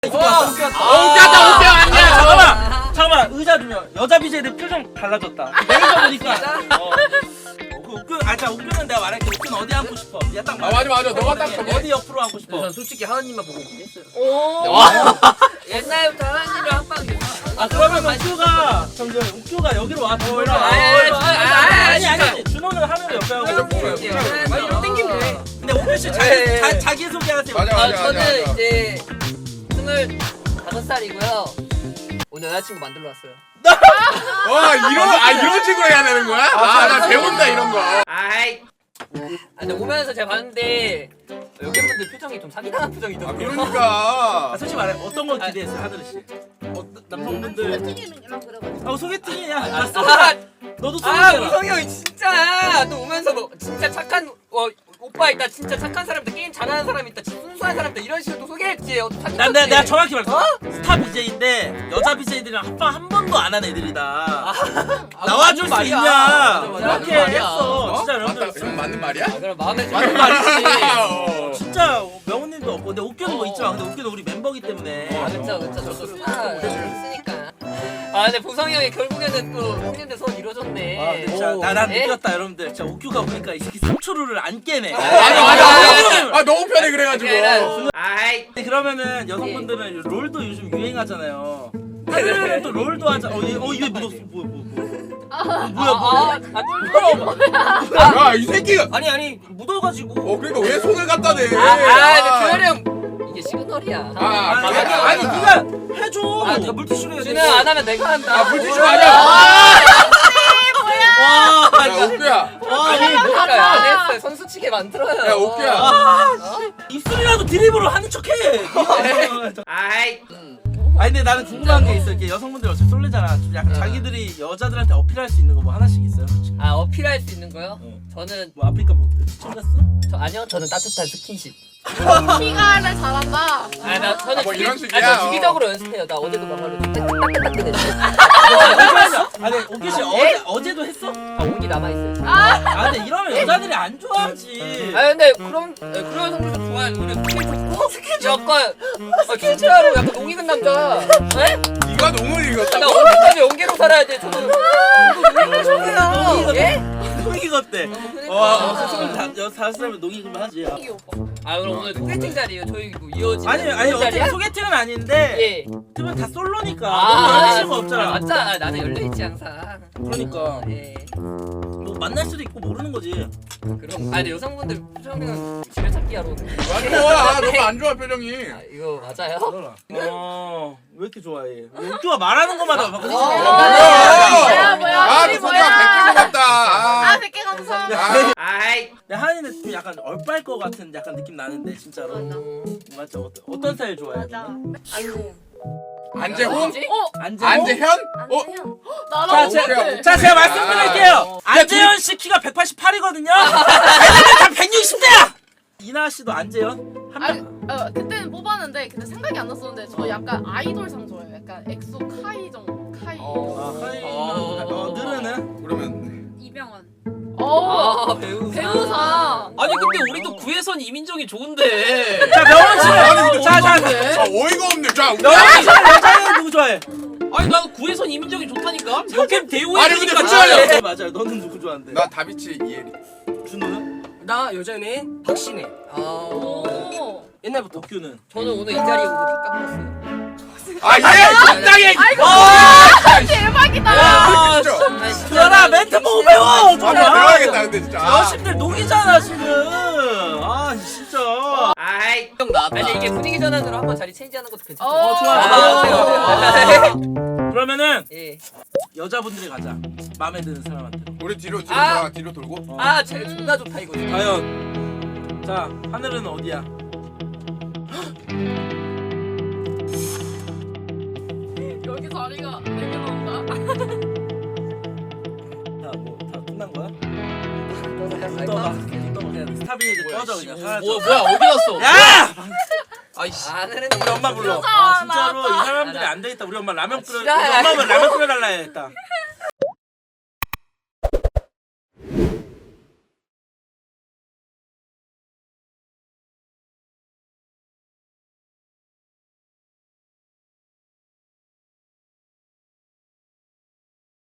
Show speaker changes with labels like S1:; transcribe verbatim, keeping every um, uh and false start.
S1: 웃겼다 웃겨 아니야.
S2: 잠깐만 잠깐만 의자 주면 여자 비제이들 표정 달라졌다. 매니저 보니까. 어. 그 웃겨 아자 웃겨는 내가 말할게. 웃겨는 어디 앉고 싶어? 야 딱
S1: 아 맞아 맞아 너가 딱 저기.
S2: 어디 옆으로 앉고 싶어?
S3: 전 솔직히 하은님만 보고 있긴 했어요.
S4: 오.
S3: 옛날부터 하은님이랑 한방
S2: 아 그러면 웃겨가 잠시만 웃겨가 여기로 와. 더 올라. 아니 아니 준호는 하늘 옆에 하고.
S3: 아니 이거 땡기면 돼.
S2: 근데 오늘 씨 자기 자, 자기 소개하세요.
S1: 맞아
S3: 아
S1: 맞아.
S3: 저는 이제 스물다섯 살이고요. 오늘 여자친구 만들러 왔어요.
S1: 와 이런 아 이런 식으로 해야 되는 거야? 아 나 배운다 이런 거.
S3: 아이. 아 근데 오면서 제가 봤는데 여기 분들 표정이 좀 사기당한
S1: 아
S3: 표정이더라고요.
S1: 그러니까.
S2: 아, 솔직히 말해 어떤 걸 기대했어요 하늘 씨? 어, 남성분들.
S4: 소개팅이랑 그래가지고.
S2: 아 소개팅이야. 아,
S3: 아,
S2: 쏘라. 너도
S3: 아
S2: 소개팅.
S3: 우성이 형이 진짜 또 오면서 뭐 진짜 착한 어 오빠 있다 진짜 착한 사람 있다 게임 잘하는 사람 있다 진짜 순수한 사람 있다 이런 식으로 또 소개했지. 어,
S2: 난 내가, 내가 정확히 말해. 어? 스타 비제이인데 여자 비제이들이랑 합방 한 번도 안 한 애들이다.
S3: 아,
S2: 나와줄 수
S3: 말이야.
S2: 있냐?
S3: 맞아, 맞아,
S2: 그렇게
S3: 맞는 말이야.
S2: 했어. 진짜
S1: 맞다.
S2: 여러분들.
S1: 이건 맞는 말이야?
S3: 아, 그럼 마음에
S1: 맞는
S3: 드는
S1: 말이지.
S3: 말이지.
S1: 어.
S2: 진짜 명훈님도 없고 근데 웃겨는 뭐
S3: 어.
S2: 있지만 근데 웃겨는 우리 멤버기 때문에.
S3: 아 그쵸 그쵸 저도 스타 있으니까. 아 근데 보성이 형이 결국에는 또 형님들 소원 이루어졌네.
S2: 아, 근데 진짜
S3: 오.
S2: 나난
S3: 예?
S2: 느꼈다 여러분들. 진짜 웃겨가 보니까 이 새끼 삼 초루를 안 깨네.
S1: 맞아 맞아. 맞아. 아 너무 편해 그래가지고.
S3: 아이
S2: 근데 그러면 여성분들은 롤도 요즘 유행하잖아요. 하늘은 또 롤도 하자. 어, 얘, 어, 이게 묻었어. 뭐야, 뭐야, 뭐야. 어, 뭐야, 뭐야.
S3: 아, 아,
S1: 야 이 새끼가.
S3: 아니 아니 묻어가지고.
S1: 어 그러니까 왜 손을 갖다 대?
S3: 아, 아, 근데 형 이게 시그널이야.
S1: 아,
S2: 아니,
S1: 맞아,
S2: 아니,
S1: 맞아.
S2: 아니, 네가 해줘.
S3: 아,
S2: 네가 물티슈로 해야 돼.
S3: 준호야 안 하면 내가 한다.
S1: 아 물티슈 아니야.
S2: 와,
S1: 야 옥규야.
S3: 아니 뭐야 안 했어요. 선수치게 만들어요.
S1: 야 옥규야.
S2: 아, 입술이라도 드립으로 하는 척해.
S3: 아이.
S2: 아니 근데 나는 궁금한 게 있어. 이렇게 여성분들 어차피 쏠리잖아. 좀 약간 자기들이 여자들한테 어필할 수 있는 거 뭐 하나씩 있어요?
S3: 아 어필할 수 있는 거요?
S2: 어.
S3: 저는
S2: 뭐 아프리카 뭐 시청 갔어?
S3: 저 아니요 저는 따뜻한 스킨십.
S4: 피가를 잘한다.
S3: 아나 저는
S1: 아, 뭐
S3: 주기,
S1: 이런 식이야?
S3: 아, 저 주기적으로 연습해요. 나 어제도 막말로 따뜻따뜻했는데.
S2: 아니 오기 씨 어제 어제도 했어?
S3: 아 온기 남아 있어요.
S4: 아,
S2: 아 근데 이러면 여자들이 안 좋아하지.
S3: 아 근데 그럼 네, 그런 성분도 좋아요. 우리 스킨 좋고 약간 아, 진짜로 약간 농 익은 남자. 네?
S1: 네가 농을
S3: 나
S1: 읽었다고?
S3: 언제까지 연계로 살아야 돼? 저는 저는 농 익은 예?
S2: 농익 어때?
S3: 그러니까.
S2: 와 스물 다섯 살이면 농익으면 하지.
S4: 이게 오빠.
S3: 아 그럼 오늘 소개팅 자리예요. 저희 뭐 이어지는
S2: 아니 아니 어떻게
S3: 자리야?
S2: 소개팅은 아닌데
S3: 예.
S2: 그러면 다 솔로니까
S3: 아,
S2: 너무 여자친구 없잖아.
S3: 아, 맞자. 아, 나는 열려 있지 항상.
S2: 그러니까
S3: 예.
S2: 뭐 만날 수도 있고 모르는 거지.
S3: 그럼. 아 근데 여성분들 표정은 지뢰찾기 하러 오는.
S1: 아 너무 안 좋아 표정이.
S3: 아 이거 맞아요?
S2: 어왜 이렇게 좋아해? 웃겨가 말하는 것마다 막.
S4: 뭐야, 뭐야,
S1: 아
S4: 우리
S1: 그 소리가
S4: 뭐야.
S1: 백개 같다.
S4: 아,
S1: 아.
S4: 백 개 감사합니다.
S1: 아.
S3: 아이.
S2: 근데 하은이는 좀 약간 얼빨 것 같은 약간 느낌 나는데 진짜로. 맞죠? 어떤, 어떤 스타일 좋아해?
S4: 맞아. 안녕.
S1: 안재홍?
S3: 뭐지?
S4: 어,
S2: 안재.
S1: 안재현? 어?
S4: 안녕.
S2: 자,
S4: 나랑
S2: 제,
S1: 오케이.
S2: 자 제가 말씀드릴게요. 안재현 씨 키가 백팔십팔이거든요. 애들은 다 백육십 대야. 이나 씨도 안재현 한
S4: 아니,
S2: 명.
S4: 어, 그때는 뽑았는데 근데 생각이 안 났었는데 저 약간 아이돌상 좋아해요. 약간 엑소 카이 정도. 카이.
S3: 어.
S2: 아, 하이.
S3: 어.
S2: 어, 느르는.
S1: 그러면
S4: 이병헌.
S3: 아
S4: 어.
S3: 배우상.
S4: 배우상.
S5: 아니 근데 우리도 구혜선 이민정이 좋은데.
S2: 자 명원 씨.
S1: 아니, 근데
S2: 자, 자,
S1: 아 어이가 없네. 자
S2: 명원 씨 여자는 누구 좋아해?
S5: 아니 나는 구혜선 이민정이 좋다니까. 역캠 대우해
S1: 아니, 근데
S5: 주니까
S1: 진짜요?
S5: 좋아요.
S2: 네, 맞아요. 너는 누구 좋아하는데?
S1: 나 다비치 이혜리.
S2: 준호는?
S5: 나 여전히 박신혜.
S3: 아.
S4: 오.
S2: 옛날부터 덕규는.
S3: 저는 오늘 이 자리에 오고 깜짝 놀랐어요.
S1: 아얘
S5: 적당히.
S4: 아이고. 대박이다.
S5: 아,
S1: 진짜.
S2: 그러나 멘트 보고 배워.
S1: 아 배워야겠다 근데 진짜. 아.
S2: 여신들 녹이잖아 지금. 아 진짜.
S3: 아이.
S5: 형 나왔다.
S3: 아니 이게 분위기 전환으로 한번 자리 체인지하는 것도 괜찮죠.
S4: 어,
S2: 좋아,
S3: 아,
S2: 좋아.
S3: 어때요, 어때요?
S2: 그러면은
S3: 예.
S2: 여자분들이 가자. 마음에 드는 사람한테.
S1: 우리 뒤로 뒤로
S3: 아.
S1: 돌아 뒤로 돌고.
S2: 어.
S3: 아, 제 존나 좋다 이거.
S2: 과연 자 하늘은 어디야?
S4: 여기 자리가 네 개 나온다.
S2: 다뭐다 끝난 거야? 떠봐. 떠봐. 그냥 스타빈이 이제 꺼져 그냥. 사라져.
S5: 뭐야 뭐야 어디 갔어?
S2: 야!
S5: 아이씨.
S3: 아는
S2: 우리 엄마 불러.
S4: 진짜
S2: 아 진짜로
S4: 나왔다.
S2: 이 사람들이 안 되겠다. 우리 엄마 라면 끓여. 우리
S3: 지랄.
S2: 엄마 라면 끓여달라 해야겠다.